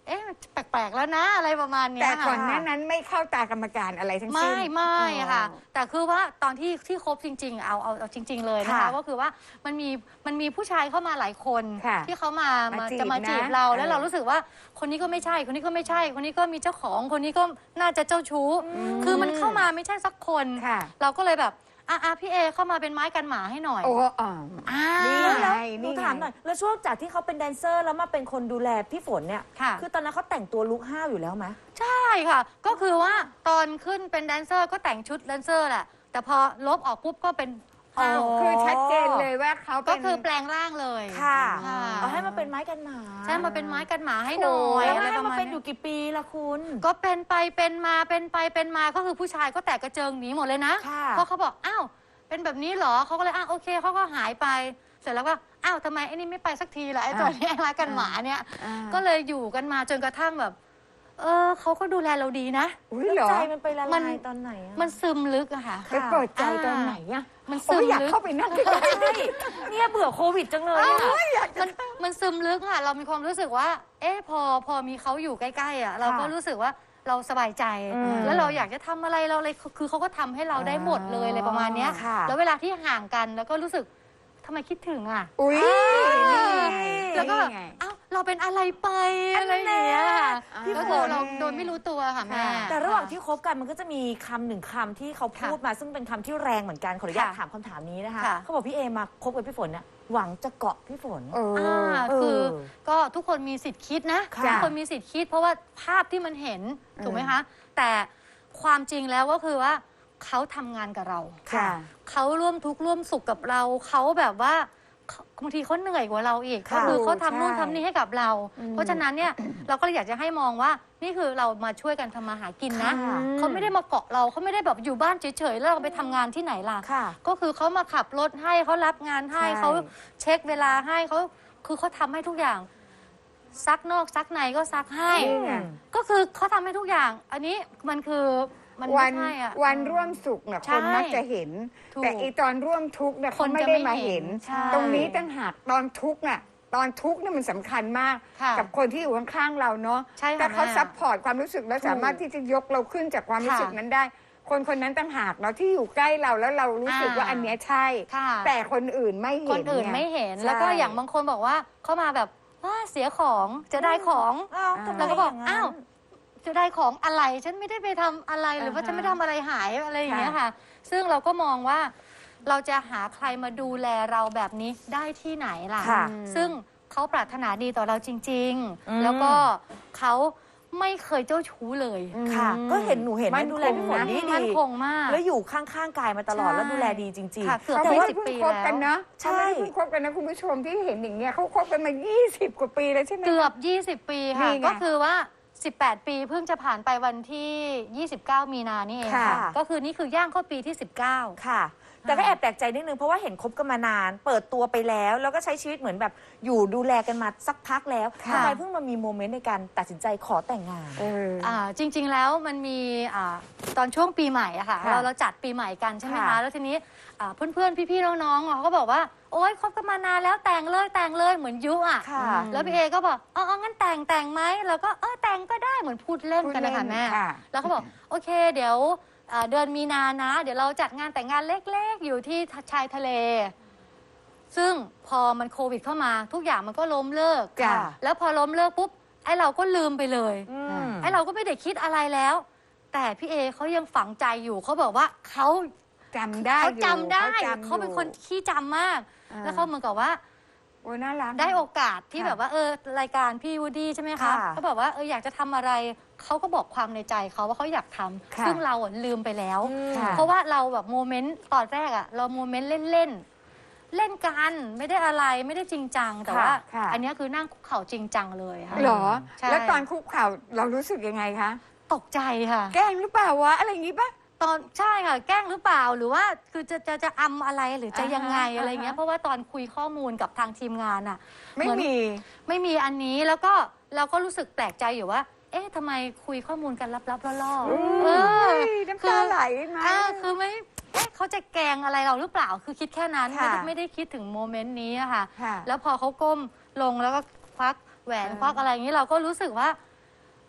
Speaker 5: เอ๊ะแปลกๆแล้วนะอะไรประมาณเนี้ย
Speaker 3: แต่
Speaker 5: ค่ะ
Speaker 3: ก่อนหน้านั้นไม่เข้าตากรรมการอะไรทั้งสิ้น
Speaker 5: ไม่ไม่อะค่ะ
Speaker 3: อ๋อ
Speaker 5: แต่คือว่าตอนที่ที่คบจริง ๆ เอาเอาเอาจริง ๆ เลยนะคะ
Speaker 3: ค่ะ
Speaker 5: ก็คือว่ามันมีมันมีผู้ชายเข้ามาหลายคน
Speaker 3: ค่ะ
Speaker 5: ที่เขามา
Speaker 3: มา
Speaker 5: มา
Speaker 3: จีบ
Speaker 5: จะมาจีบ
Speaker 3: นะ
Speaker 5: เราแล้ว
Speaker 3: เออ
Speaker 5: เรารู้สึกว่าคนนี้ก็ไม่ใช่ คนนี้ก็ไม่ใช่ คนนี้ก็มีเจ้าของคนนี้ก็น่าจะเจ้าชู้ คือมันเข้ามาไม่ใช่สักคน
Speaker 3: ค่ะ
Speaker 5: เราก็เลยแบบอ่ะอ่ะพี่เอเข้ามาเป็นไม้กันหมาให้หน่อย
Speaker 3: โอ้อ๋อ
Speaker 5: อ่า
Speaker 3: นี่
Speaker 4: แล้ว
Speaker 3: ไง
Speaker 4: หนู
Speaker 3: นี่ไง
Speaker 4: ถามหน่อย แล้วช่วงจากที่เขาเป็นแดนเซอร์แล้วมาเป็นคนดูแลพี่ฝนเนี่ย
Speaker 5: ค่ะ
Speaker 4: คือตอนนั้นเขาแต่งตัวลุคห้าวอยู่แล้วไหม
Speaker 5: ใช่ค่ะ ก็คือว่าตอนขึ้นเป็นแดนเซอร์ก็แต่งชุดแดนเซอร์แหละ แต่พอลบออกปุ๊บก็เป็น
Speaker 4: อ๋อ
Speaker 3: คือชัดเจนเลยว่าเขาเป็
Speaker 5: ก็
Speaker 3: น
Speaker 5: คือแปลงร่างเลย
Speaker 4: ค่ะ
Speaker 5: ค่ะ
Speaker 4: เอาให้มาเป็นไม้กันหมา
Speaker 5: ใช่มาเป็นไม้กันหมาให้หน่อย
Speaker 4: แล้ว
Speaker 5: อะไร
Speaker 4: ให้
Speaker 5: ประ
Speaker 4: มา
Speaker 5: มาณ
Speaker 4: เป็นอ
Speaker 5: เนี้ย
Speaker 4: ยู่กี่ปีละคุณ
Speaker 5: ก็เป็นไปเป็นมาเป็นไปเป็นมาก็คือผู้ชายก็แตกกระเจิงหนีหมดเลยนะ
Speaker 4: ค่ะ
Speaker 5: เพราะเขาบอกอ้าวเป็นแบบนี้เหรอเขาก็เลยอ้าวโอเคเขาก็หายไป เสร็จแล้วก็อ้าวทำไมไอ้นี่ไม่ไปสักทีล่ะไอ้ตัวเนี้ยไม้กันหมาเนี่ย
Speaker 3: อ่า
Speaker 5: ก็เลยอยู่กันมาจนกระทั่งแบบ เออเขาก็ดูแลเราดีนะ
Speaker 3: อุ้ยเหรอ
Speaker 4: ใจมันไปละ
Speaker 5: มั
Speaker 4: ลาน ยตอนไหนอะ
Speaker 5: มันซึมลึกอะค่ะ
Speaker 3: ไปเปิดใจตอนไหนอะ
Speaker 5: มัน
Speaker 3: โอ้
Speaker 5: ซึ
Speaker 3: ย
Speaker 5: ม
Speaker 3: อยาก
Speaker 5: ลึก
Speaker 3: เข้าไปนั่งด้วย
Speaker 4: ใช่เนี่ยเบื่อโควิดจังเลยอะ
Speaker 5: มันมันซึมลึกค่ะ เรามีความรู้สึกว่า เอ๊ะพอพอมีเขาอยู่ใกล้ๆอ่ะเราก็รู้สึกว่าเราสบายใจ
Speaker 4: อืม
Speaker 5: แล้วเราอยากจะทำอะไรเราเลยคือเขาก็ทำให้เราได้หมดเลยอะไรประมาณเนี้ย
Speaker 4: ค่ะ
Speaker 5: แล้วเวลาที่ห่างกันแล้วก็รู้สึกทำไมคิดถึงอ่ะ
Speaker 3: อุ้ย
Speaker 5: อ่า
Speaker 3: นี่ไง
Speaker 5: แล้วก็แบบ
Speaker 3: นี่ไง
Speaker 5: อ้าวเราเป็นอะไรไปอะไรอย่างเงี้ย
Speaker 3: พี่
Speaker 5: ก็
Speaker 3: ฝ
Speaker 5: คือน เราโดยไม่รู้ตัวค่ะแม่
Speaker 4: แต่ระหว่างที่คบกันมันก็จะมีคำหนึ่งคำที่เขาพูด
Speaker 5: ค่ะ
Speaker 4: มาซึ่งเป็นคำที่แรงเหมือนกันขออนุญาต
Speaker 5: ค่ะ
Speaker 4: ถามคำถามนี้นะคะ
Speaker 5: ค่ะ
Speaker 4: เขาบอกพี่เอมาคบกับพี่ฝนเนี่ยหวังจะเกาะพี่ฝน
Speaker 3: เออ
Speaker 5: อ่า
Speaker 4: เออ
Speaker 5: คือก็ทุกคนมีสิทธิ์คิดนะ
Speaker 4: ค่ะ
Speaker 5: ทุกคนมีสิทธิ์คิด เพราะว่าภาพที่มันเห็นถูกไหม
Speaker 3: อืม
Speaker 5: คะ แต่ความจริงแล้วก็คือว่าเขาทำงานกับเรา
Speaker 3: ค่ะ
Speaker 5: เขาร่วมทุกข์ร่วมสุขกับเรา เขาแบบว่าเขาบางทีเขาเหนื่อยกว่าเราอีก
Speaker 4: ค่ะ
Speaker 5: ก็คือเขาทำนู่น
Speaker 3: ใช่
Speaker 5: ทำนี่ให้กับเรา เพราะฉะนั้นเนี่ยเราก็เลยอยากจะให้มองว่านี่คือเรามาช่วยกันทำมาหากินนะ
Speaker 3: ค่ะ
Speaker 5: เขาไม่ได้มาเกาะเราเขาไม่ได้แบบอยู่บ้านเฉยๆแล้วเราไปทำงานที่ไหนล่ะ
Speaker 4: ค่ะ
Speaker 5: ก็คือเขามาขับรถให้เขารับงานให้
Speaker 3: ใช่
Speaker 5: เขาเช็คเวลาให้เขาคือเขาทำให้ทุกอย่าง ซักนอกซักในก็ซักให้
Speaker 3: นี่ไง
Speaker 5: ก็คือเขาทำให้ทุกอย่าง อันนี้มันคือมัน
Speaker 3: วั
Speaker 5: ไม่
Speaker 3: น
Speaker 5: ใช่อะ
Speaker 3: วันร่วมสุขเนี่ย
Speaker 5: ใช่
Speaker 3: คนมักจะเห็น
Speaker 5: ถูก
Speaker 3: แต่อีตอนร่วมทุกข์เนี่ย
Speaker 5: ค
Speaker 3: เขา
Speaker 5: น
Speaker 3: ไม่
Speaker 5: จะ
Speaker 3: ได้
Speaker 5: ไม่
Speaker 3: มา
Speaker 5: เห็
Speaker 3: เห็
Speaker 5: น
Speaker 3: น
Speaker 5: ใช่
Speaker 3: ตรงนี้ต่างหากตอนทุกข์น่ะตอนทุกข์เนี่ยมันสำคัญมาก
Speaker 5: ค่ะ
Speaker 3: กับคนที่อยู่ข้างๆเราเนาะ
Speaker 5: ใช่ค่ะ
Speaker 3: แต่เขา
Speaker 5: แม่
Speaker 3: ซัพพอร์ตความรู้สึกและสามารถที่จะยกเราขึ้นจากความรู้สึก
Speaker 5: ค่ะ
Speaker 3: นั้นได้ คนคนนั้นต่างหากเนาะที่อยู่ใกล้เราแล้วเรารู้สึก
Speaker 5: อ่า
Speaker 3: ว่าอันเนี้ยใช่
Speaker 5: ค่ะ
Speaker 3: แต่คนอื่นไม่เห็น
Speaker 5: คนอื่น
Speaker 3: ง
Speaker 5: ไม่เห็น
Speaker 3: ใช่
Speaker 5: แล้วก็อย่างบางคนบอกว่าเข้ามาแบบว่าเสียของจะได้ของ
Speaker 4: อ้าวทำไม
Speaker 5: เราก็บอก
Speaker 4: ย่งนั้น
Speaker 5: อ้าวจะได้ของอะไรฉันไม่ได้ไปทำอะไรหรือว่า
Speaker 3: อ่าฮะ
Speaker 5: ฉันไม่ทำอะไรหายอะไรอย่างเงี้ย
Speaker 3: ค่ะ
Speaker 5: ค่ะ ซึ่งเราก็มองว่าเราจะหาใครมาดูแลเราแบบนี้ได้ที่ไหนล่ะ
Speaker 4: ค่ะ
Speaker 5: ซึ่งเขาปรารถนาดีต่อเราจริง
Speaker 4: อืม
Speaker 5: ๆ แล้วก็เขาไม่เคยเจ้าชู้เลย
Speaker 4: ค่ะ ก็เห็นหนูเห็น
Speaker 3: มั่
Speaker 4: มัน
Speaker 3: น
Speaker 4: ดูแลพี่ฝน
Speaker 3: คงนะ
Speaker 4: ดี
Speaker 5: มั่น
Speaker 4: ดี
Speaker 5: คงมาก
Speaker 4: แล้วอยู่ข้างๆกายมาตลอด
Speaker 5: ใช่
Speaker 4: แล้วดูแลดีจริง
Speaker 5: ค่ะเกือบ
Speaker 3: เขา
Speaker 5: จะ
Speaker 3: ไม่
Speaker 5: ยี่
Speaker 3: ได้
Speaker 5: สิบ
Speaker 3: เพิ่ง
Speaker 5: ปี
Speaker 3: คบ
Speaker 5: แล้
Speaker 3: กัน
Speaker 5: ว
Speaker 3: เนาะ
Speaker 4: ใช่
Speaker 3: เขาไม่ได้เพิ่งคบกันนะคุณผู้ชมที่เห็นอย่างเงี้ยเขาคบกันมา ยี่สิบ กว่าปีแล้วใช่ไหม
Speaker 5: เกือบ ยี่สิบ ปีค่ะ
Speaker 3: นี่ไง
Speaker 5: ก็คือว่า สิบแปด ปีเพิ่งจะผ่านไปวันที่ ยี่สิบเก้า มีนานี่เอง
Speaker 3: ค่ะ
Speaker 5: ค่ะ ก็คือนี่คือย่างเข้าปีที่ สิบเก้า
Speaker 4: ค่ะ แต่ก็แอบแปลกใจนิดนึงเพราะว่าเห็นคบกันมานาน เปิดตัวไปแล้ว แล้วก็ใช้ชีวิตเหมือนแบบอยู่ดูแลกันมาสักพักแล้ว
Speaker 5: ค่ะ
Speaker 4: ทำไมเพิ่งมามีโมเมนต์ในการตัดสินใจขอแต่งงาน
Speaker 3: เออ
Speaker 5: อ่าจริง ๆ แล้วมันมีอ่าตอนช่วงปีใหม่อะค่ะ
Speaker 3: ค่ะ
Speaker 5: เราเราจัดปีใหม่กันใช่ไหม
Speaker 4: ค่ะ
Speaker 5: คะแล้วทีนี้อ่าเพื่อนๆ พี่ๆ น้องๆอ่ะเขาก็บอกว่าโอ๊ยคบกันมานานแล้วแต่งเลยแต่งเลยเหมือนยุอ่ะ
Speaker 4: ค่ะ
Speaker 5: แล้วพี่เอก็บอกอ๋องั้นแต่งแต่งไหมแล้วก็เออแต่งก็ได้เหมือนพูดเล่นกันนะคะ
Speaker 3: พูดเล่น
Speaker 5: แม่
Speaker 3: ค่ะ
Speaker 5: แล้วเขาบอกโอเคเดี๋ยวอ่าเดือนมีนานะ เดี๋ยวเราจัดงานแต่งงานเล็กๆ อยู่ที่ชายทะเล ซึ่งพอมันโควิดเข้ามาทุกอย่างมันก็ล้มเลิก
Speaker 3: จ้ะ
Speaker 5: แล้วพอล้มเลิกปุ๊บไอ้เราก็ลืมไปเลย
Speaker 4: อืม
Speaker 5: ไอ้เราก็ไม่ได้คิดอะไรแล้ว แต่พี่เอเขายังฝังใจอยู่เขาบอกว่าเขา
Speaker 3: จำได้
Speaker 5: เขา
Speaker 3: อยู่
Speaker 5: จำได้
Speaker 3: จำอยู่
Speaker 5: เขาเป็นคนขี้จำมาก
Speaker 3: อ่า
Speaker 5: แล้วเขาเหมือนกับว่า
Speaker 3: โอ้น่ารัก
Speaker 5: ได้โอกาสที่
Speaker 3: ค่ะ
Speaker 5: แบบว่าเออรายการพี่วูดดี้ใช่ไหมคะ
Speaker 4: ค่ะ
Speaker 5: เขาบอกว่าเอออยากจะทำอะไรเขาก็บอกความในใจเขาว่าเขาอยากทำ
Speaker 3: ค่ะ
Speaker 5: ซึ่งเราอ่ะลืมไปแล้ว
Speaker 3: ค่ะ
Speaker 5: เพราะว่าเราแบบโมเมนต์ตอนแรกอะเราโมเมนต์เล่นๆเล่นกันไม่ได้อะไรไม่ได้จริงจังแต่ว่า
Speaker 3: ค่ะ
Speaker 5: อันเนี้ยคือนั่งคุกเข่าจริงจังเลยค่ะ
Speaker 3: เหรอ
Speaker 5: ใช่
Speaker 3: แล้วตอนคุกเข่าเรารู้สึกยังไงคะ
Speaker 5: ตกใจค่ะ
Speaker 3: แกล้งหรือเปล่าวะอะไรอย่างงี้ปะ
Speaker 5: ตอนใช่ค่ะแกล้งหรือเปล่าหรือว่าคือจะจะจะอำอะไรหรือจะ
Speaker 3: อ่าฮะ
Speaker 5: ยังไงอะไรเงี้ย
Speaker 3: อ่าฮะ
Speaker 5: เพราะว่าตอนคุยข้อมูลกับทางทีมงานอ่ะ
Speaker 3: ไม่
Speaker 5: เหอน
Speaker 3: มี
Speaker 5: ไม่มีอันนี้แล้วก็เราก็รู้สึกแปลกใจอยู่ว่า เอ๊ะทำไมคุยข้อมูลกันลับๆล่อๆ
Speaker 3: อุ้
Speaker 5: เออย
Speaker 3: น้ำตาไหลไหม
Speaker 5: อ่าคือไม่เอ๊ะเขาจะแกล้งอะไรเราหรือเปล่าคือคิดแค่นั้นไม่
Speaker 3: ค่ะ
Speaker 5: ได้ไม่ได้คิดถึงโมเมนต์นี้อะค่ะ
Speaker 3: ค่ะ
Speaker 5: แล้วพอเขาก้มลงแล้วก็ควักแหวน
Speaker 3: อ่า
Speaker 5: ควักอะไรอย่างนี้เราก็รู้สึกว่า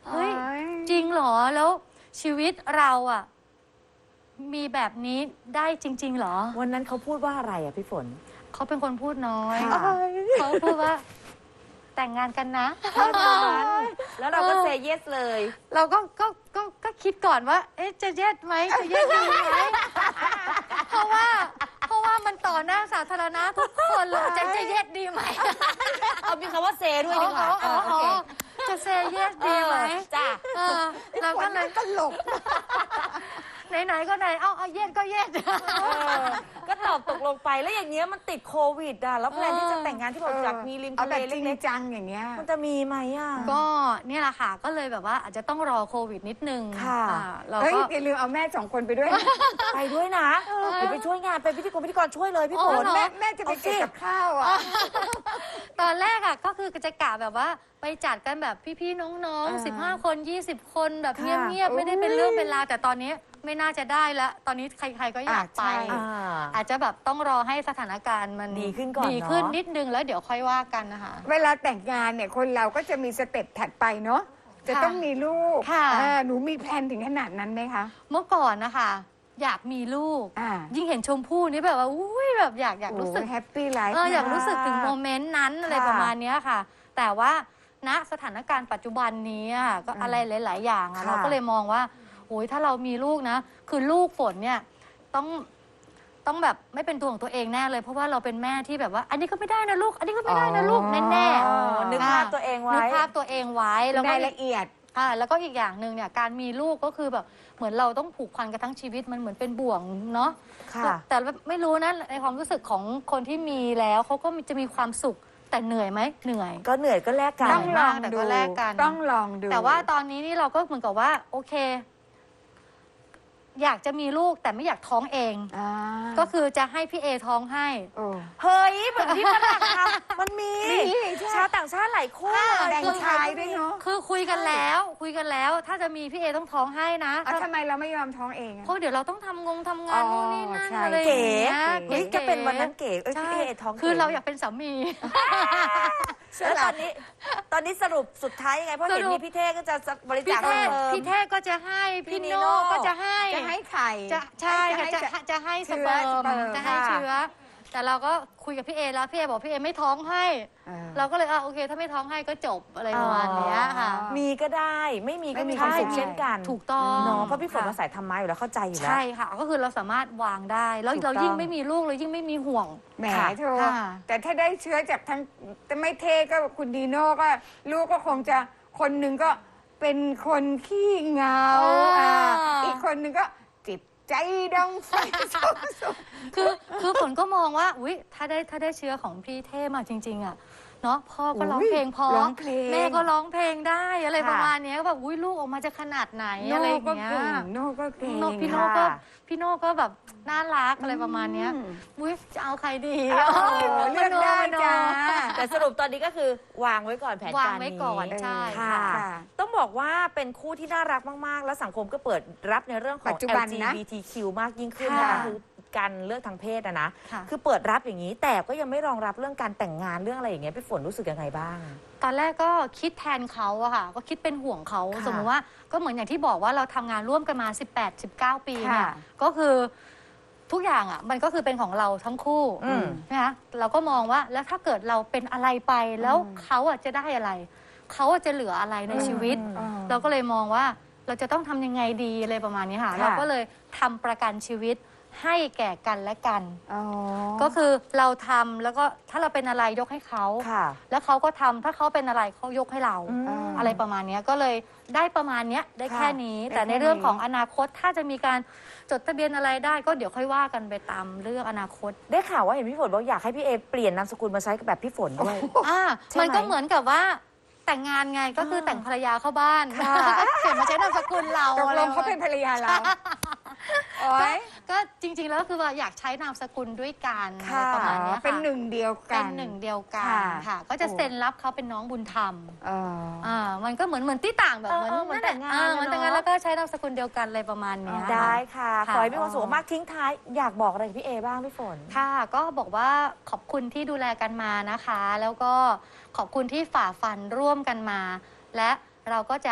Speaker 5: เฮ้ยจริงเหรอแล้วชีวิตเราอ่ะมีแบบนี้ได้จริงๆเหรอ
Speaker 4: วันนั้นเขาพูดว่าอะไรอ่ะพี่ฝน
Speaker 5: เขาเป็นคนพูดน้อย
Speaker 3: ค่ะ
Speaker 5: เขาพูดว่าแต่งงานกันนะ
Speaker 4: แล้วเราก็เซเยสเลย
Speaker 5: เราก็ก็ก็ก็คิดก่อนว่า เอ๊ะจะเย็ดไหมจะเย็ดดีไหมเพราะว่าเพราะว่ามันต่อหน้าสาธารณะทุกคนเลยจะจะเย็ดดีไหม
Speaker 4: เอามีคำว่าเซด้วยดีกว่า
Speaker 5: อ๋ออ๋ออ๋อจะเซเยสดีไหม
Speaker 4: จ้า
Speaker 5: เออเราก็เลยตลกไหนๆก็ไหนเอาเอาเย็ดก็เย็ด
Speaker 4: ก็ตอบตกลงไปแล้วอย่างเงี้ยมันติดโควิดอ่ะแล้วแพลนที่จะแต่งงานที่บอกอยากมีริม
Speaker 3: เอา
Speaker 4: ทะ
Speaker 3: แบ
Speaker 4: เล
Speaker 3: บจริง
Speaker 4: เล็ก
Speaker 3: จังอย่างเงี้ย
Speaker 4: ๆมันจะมีไหมอ่ะ
Speaker 5: ก็เนี่ยแหละค่ะก็เลยแบบว่าอาจจะต้องรอโควิดนิดนึง
Speaker 4: ค่ะ
Speaker 5: อ่าเรา
Speaker 3: เฮ้ย
Speaker 5: ก็
Speaker 3: อย่าลืมเอาแม่สองคนไปด้วยนะ
Speaker 4: ไปด้วยนะเดี๋ยวไปช่วยงานเป็นพิธีกรพิธีกรช่วยเลยพี่ฝ
Speaker 5: อ๋
Speaker 4: น
Speaker 5: อเหรอ
Speaker 3: แม่แม่จะไปเก็บกับข้าวอ่ะ
Speaker 5: ตอนแรกอ่ะก็คือจะกะแบบว่าไปจัดกันแบบพี่ๆน้อง
Speaker 3: อ่า
Speaker 5: ๆสิบห้าคนยี่สิบคนแบบ
Speaker 4: ค่ะ
Speaker 5: เงียบๆไม่ได้เป็นเรื่องเป็นราวแต่ตอนนี้ไม่น่าจะได้แล้วตอนนี้ใครๆก็อยากไป
Speaker 4: อ่า
Speaker 5: อาจจะแบบต้องรอให้สถานการณ์มัน
Speaker 4: ดีขึ้นก่อน
Speaker 5: ดีขึ้น
Speaker 4: เนอะ
Speaker 5: นิดนึงแล้วเดี๋ยวค่อยว่ากันนะคะ
Speaker 3: เวลาแต่งงานเนี่ยคนเราก็จะมีสเต็ปถัดไปเนาะจะต้องมีลูก
Speaker 5: ค่ะ
Speaker 3: อ่าหนูมีแพลนถึงขนาดนั้นไหมคะ
Speaker 5: เมื่อก่อนนะคะอยากมีลูก
Speaker 3: อ่า
Speaker 5: ยิ่งเห็นชมพู่นี่แบบว่าอุ้ยแบบอยากอยากรู้สึก
Speaker 3: แฮปปี้ไลฟ์
Speaker 5: เอออยากรู้สึกถึงโมเมนต์นั้นอะไรประมาณเนี้ยค่ะ แต่ว่าณสถานการณ์ปัจจุบันนี้อะก็อะไรหลาย ๆ อย่างอะ
Speaker 4: ค่ะ
Speaker 5: เราก็เลยมองว่าโอ้ยถ้าเรามีลูกนะ คือลูกฝนเนี่ยต้องต้องแบบไม่เป็นตัวของตัวเองแน่เลย เพราะว่าเราเป็นแม่ที่แบบว่า อันนี้ก็ไม่ได้นะลูก อันนี้ก็ไม่ได้นะลูกแน่ๆ
Speaker 4: อ๋อนึกภาพตัวเองไว้
Speaker 5: นึกภาพตัวเองไว้แล้วก็
Speaker 3: รายละเอียด
Speaker 5: อ่าแล้วก็อีกอย่างหนึ่งเนี่ยการมีลูกก็คือแบบเหมือนเราต้องผูกพันกันทั้งชีวิตมันเหมือนเป็นบ่วงเนาะ
Speaker 4: ค่ะ
Speaker 5: แต่ไม่รู้นะในความรู้สึกของคนที่มีแล้วเขาก็จะมีความสุขแต่เหนื่อยไหมเหนื่อย
Speaker 4: ก็เหนื่อยก็แลกกัน
Speaker 3: ต้องลอง
Speaker 5: แต่
Speaker 3: ดู
Speaker 5: ก็แลกกัน
Speaker 3: ต้องลองดู
Speaker 5: แต่ว่าตอนนี้นี่เราก็เหมือนกับว่า โอเค อยากจะมีลูกแต่ไม่อยากท้องเอง
Speaker 3: อ่า
Speaker 5: ก็คือจะให้พี่เอท้องให้
Speaker 3: โอ้
Speaker 4: เฮ้ยเหมือนที่ฝรั่งทำมันมี
Speaker 3: มีใช่
Speaker 4: ชาวต่างชาติหลายคู่
Speaker 3: แบ่งชายด้วยเนาะ
Speaker 5: คือคุยกันแล้ว คุยกันแล้ว ถ้าจะมีพี่เอต้องท้องให้นะ
Speaker 3: อ่ะทำไมเราไม่ยอมท้องเองอะ
Speaker 5: เพราะเดี๋ยวเราต้องทำงงทำงาน
Speaker 3: อ๋อ
Speaker 5: นู่นนี่นั่น
Speaker 3: ใช่
Speaker 5: อะไรอย่างเงี้ย
Speaker 4: เฮ้ยจะเป็นวันนั้นเก๋เอ้ย
Speaker 5: ใช่
Speaker 4: พี่เอท้อง
Speaker 5: คือ
Speaker 4: ก๋
Speaker 5: เราอยากเป็นสามี
Speaker 4: แล้วตอนนี้ ตอนนี้สรุปสุดท้ายยังไงเพราะเห็น
Speaker 5: สรุป
Speaker 4: มีพี่เท่ก็จะบริ
Speaker 5: พี่
Speaker 4: จาค
Speaker 5: เท่
Speaker 4: เพิ่ม
Speaker 5: พี่เท่ก็จะให้
Speaker 4: พี่
Speaker 5: พี่
Speaker 4: นิ
Speaker 5: โน่
Speaker 4: โน่
Speaker 5: ก็จะให้
Speaker 3: จะให้ไข่
Speaker 5: จะใช่ค่ะจะ
Speaker 3: ให้
Speaker 5: จะให้ส
Speaker 3: เชื้อ
Speaker 5: เปิร์
Speaker 3: ส
Speaker 5: ม
Speaker 3: เปิร์ม
Speaker 5: จะให้
Speaker 4: ค่ะ
Speaker 5: เชื้อ แต่เราก็คุยกับพี่เอแล้วพี่เอบอกพี่เอไม่ท้องให้
Speaker 3: เออ
Speaker 5: เราก็เลยอ่ะโอเค ถ้าไม่ท้องให้ก็จบอะไรประมาณเนี้ยค่ะ
Speaker 4: มีก็ได้ไม่มีก็
Speaker 3: ไม่มี
Speaker 4: มีความสุข
Speaker 3: ใช่
Speaker 4: เช่นกัน
Speaker 5: ถูกต้อง
Speaker 4: เนาะเพราะพี่ฝน
Speaker 5: ค่ะ
Speaker 4: มาสายธรรมะอยู่แล้วเข้าใจอยู่แล้ว
Speaker 5: ใช่ค่ะ ก็คือเราสามารถวางได้ แล้ว
Speaker 4: ถูก
Speaker 5: เรา
Speaker 4: ต้อง
Speaker 5: ยิ่งไม่มีลูกเรายิ่งไม่มีห่วง
Speaker 3: แหม
Speaker 4: ค่ะ
Speaker 3: เธอ
Speaker 5: ค่ะ
Speaker 3: แต่ถ้าได้เชื้อจากทั้งแต่ไม่เท่ก็คุณดีโน่ก็ลูกก็คงจะคนหนึ่งก็เป็นคนขี้เหงา
Speaker 5: อ่า
Speaker 3: อ่าอีกคนหนึ่งก็จิบใจดองไฟสุด
Speaker 5: คือคือฝนก็มองว่าอุ้ยถ้าได้ถ้าได้เชื้อของพี่เท่มาจริง ๆ อ่ะเนาะพ่อก็ร้องเพลงพอ
Speaker 3: ร้องเพลง
Speaker 5: แม่ก็ร้องเพลงได้อะไร
Speaker 4: ค่ะ
Speaker 5: ประมาณเนี้ยก็แบบอุ้ยลูกออกมาจะขนาดไหน
Speaker 3: โน่
Speaker 5: อะไรอย่าง
Speaker 3: ก็
Speaker 5: เงี้ย
Speaker 3: เก่งโน่ก็เก่ง
Speaker 5: โน่พี่โน่ก็
Speaker 4: ค่ะ
Speaker 5: พี่โน่ก็แบบน่ารักอะไรประมาณเนี้ย
Speaker 3: อืม
Speaker 5: อุ้ยจะเอาใครดี
Speaker 3: โอ้โหเลือกได้จ้า
Speaker 4: แต่สรุปตอนนี้ก็คือวางไว้ก่อนแผนการนี้
Speaker 5: วางไว้ก่อนใช่
Speaker 4: ค่ะ
Speaker 5: ค่ะ
Speaker 4: ต้องบอกว่าเป็นคู่ที่น่ารักมาก ๆ แล้วสังคมก็เปิดรับในเรื่องของ
Speaker 3: ปัจจุบัน
Speaker 4: แอล จี
Speaker 3: นะ
Speaker 4: บี ที คิว มากยิ่งขึ้น
Speaker 3: ค่ะ
Speaker 4: นะคะคือการเลือกทางเพศอะนะ
Speaker 5: ค่ะ
Speaker 4: คือเปิดรับอย่างนี้ แต่ก็ยังไม่รองรับเรื่องการแต่งงานเรื่องอะไรอย่างเงี้ยพี่ฝนรู้สึกยังไงบ้าง
Speaker 5: ตอนแรกก็คิดแทนเขาอะค่ะ ก็คิดเป็นห่วงเขา
Speaker 4: ค่ะ
Speaker 5: สมมติว่าก็เหมือนอย่างที่บอกว่าเราทำงานร่วมกันมา สิบแปด สิบเก้า ปีเนี่ย
Speaker 3: ค่ะ
Speaker 5: ก็คือทุกอย่างอะมันก็คือเป็นของเราทั้งคู่
Speaker 4: อืม
Speaker 5: นะคะเราก็มองว่าแล้วถ้าเกิดเราเป็นอะไรไปแล้วเขาอะจะได้อะไร เขาอะจะเหลืออะไรในชีวิต
Speaker 3: อืม
Speaker 5: เราก็เลยมองว่าเราจะต้องทำยังไงดีอะไรประมาณนี้ค่ะ
Speaker 3: ค่ะ
Speaker 5: เราก็เลยทำประกันชีวิตให้แก่กันและกัน
Speaker 3: อ๋อ
Speaker 5: ก็คือเราทำแล้วก็ถ้าเราเป็นอะไรยกให้เขา
Speaker 4: ค่ะ
Speaker 5: แล้วเขาก็ทำถ้าเขาเป็นอะไรเขายกให้เรา
Speaker 4: อืม
Speaker 5: อะไรประมาณเนี้ยก็เลยได้ประมาณเนี้ยได้
Speaker 3: ค่ะ
Speaker 5: แค่นี้
Speaker 3: ได้
Speaker 5: แต่ใน
Speaker 3: แค่นี้
Speaker 5: เรื่องของอนาคตถ้าจะมีการจดทะเบียนอะไรได้ก็เดี๋ยวค่อยว่ากันไปตามเรื่องอนาคต
Speaker 4: ได้ข่าวว่าเห็นพี่ฝนบอกอยากให้พี่เอเปลี่ยนนามสกุลมาใช้กับแบบพี่ฝนด้วย
Speaker 5: อ่า
Speaker 4: ใช่ไหม
Speaker 5: มันก็เหมือนกับว่าแต่งงานไงก็คือแต่งภรรยาเข้าบ้าน
Speaker 4: ค่ะ
Speaker 5: เปลี่ยนมาใช้นามสกุลเรา
Speaker 3: ตก
Speaker 5: อะไร
Speaker 3: ลงเขาเป็นภรรยาเราโอ๊ย
Speaker 5: ก็จริง ๆ แล้วก็คือว่าอยากใช้นามสกุลด้วยกัน
Speaker 4: ค่ะ
Speaker 5: ประมาณเนี้ยค่ะ
Speaker 3: เป็นหนึ่งเดียวกั
Speaker 5: เป็น นหนึ่งเดียวกัน
Speaker 3: ค่ะ
Speaker 5: ค่ะ ก็จะเซ็นรับเขาเป็นน้องบุญธรรม
Speaker 3: เออ
Speaker 5: อ่ามันก็เหมือนเหมือนที่ต่างแบบ
Speaker 4: เออ
Speaker 5: เหมือน
Speaker 4: เออเหมือนแต่งงาน
Speaker 5: อ่เหมือนแต่งงาน
Speaker 4: เนอะ
Speaker 5: แล้วก็ใช้นามสกุลเดียวกันอะไรประมาณเนี้ย
Speaker 4: ได้ค่ะ
Speaker 5: ค่ะ
Speaker 4: ขอให้มีความสุขมากทิ้งท้ายอยากบอกอะไรกับพี่เอบ้างพี่ฝน
Speaker 5: ค่ะก็บอกว่าขอบคุณที่ดูแลกันมานะคะ แล้วก็ขอบคุณที่ฝ่าฟันร่วมกันมา และเราก็จะ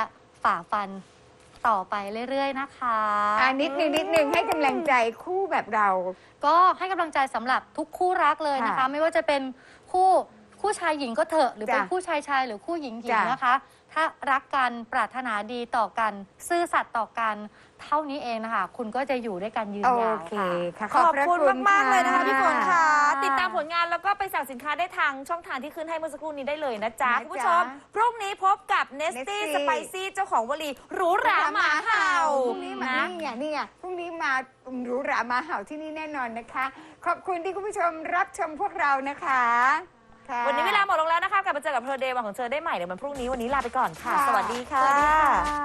Speaker 5: ฝ่าฟันต่อไปเรื่อยๆนะคะ
Speaker 3: อ่านิดนึงนิดนึงให้กำลังใจคู่แบบเรา
Speaker 5: ก็ให้กำลังใจสำหรับทุกคู่รักเลยนะคะ
Speaker 3: ค่ะ
Speaker 5: ไม่ว่าจะเป็นคู่คู่ชายหญิงก็เถอะหรือเป็น
Speaker 3: จ้ะ
Speaker 5: คู่ชายชายหรือคู่หญิงหญิง
Speaker 3: จ้ะ
Speaker 5: นะคะ ถ้ารักกันปรารถนาดีต่อกัน ซื่อสัตย์ต่อกันเท่านี้เองนะคะคุณก็จะอยู่ด้วยกันยืน
Speaker 3: โอย
Speaker 5: าว
Speaker 3: เค
Speaker 5: ค่ะ
Speaker 3: ค่ะ
Speaker 4: ขอบคุณ
Speaker 3: พระ
Speaker 4: มาก ๆ เลยนะคะ
Speaker 3: ะ
Speaker 4: พี่ฝนค่ะ ติดตามผลงานแล้วก็ไปสั่งสินค้าได้ทางช่องทางที่ขึ้นให้เมื่อสักครู่นี้ได้เลยนะจ๊ะ
Speaker 3: นะจ๊ะ
Speaker 4: คุณผู้ชม พรุ่งนี้พบกับเนสตี้
Speaker 3: Nesty
Speaker 4: สไปซี่เจ้าของวลีหรูหราหมาเห่า
Speaker 3: พรุ่งนี้มา
Speaker 4: นะ
Speaker 3: นี่ไงนี่ไงพรุ่งนี้มาหรูหรามาเห่าที่นี่แน่นอนนะคะ ขอบคุณที่คุณผู้ชมรับชมพวกเรานะคะค่ะ
Speaker 4: วันนี้เวลาหมดลงแล้วนะคะกลับมาเจอกับเพอร์เดย์วันของเธอได้ใหม่เดี๋ยววันพรุ่งนี้วันนี้ลาไปก่อนค่ะ
Speaker 3: ค่ะ
Speaker 4: สวัสดีค่ะ
Speaker 3: สวัสดีค่ะ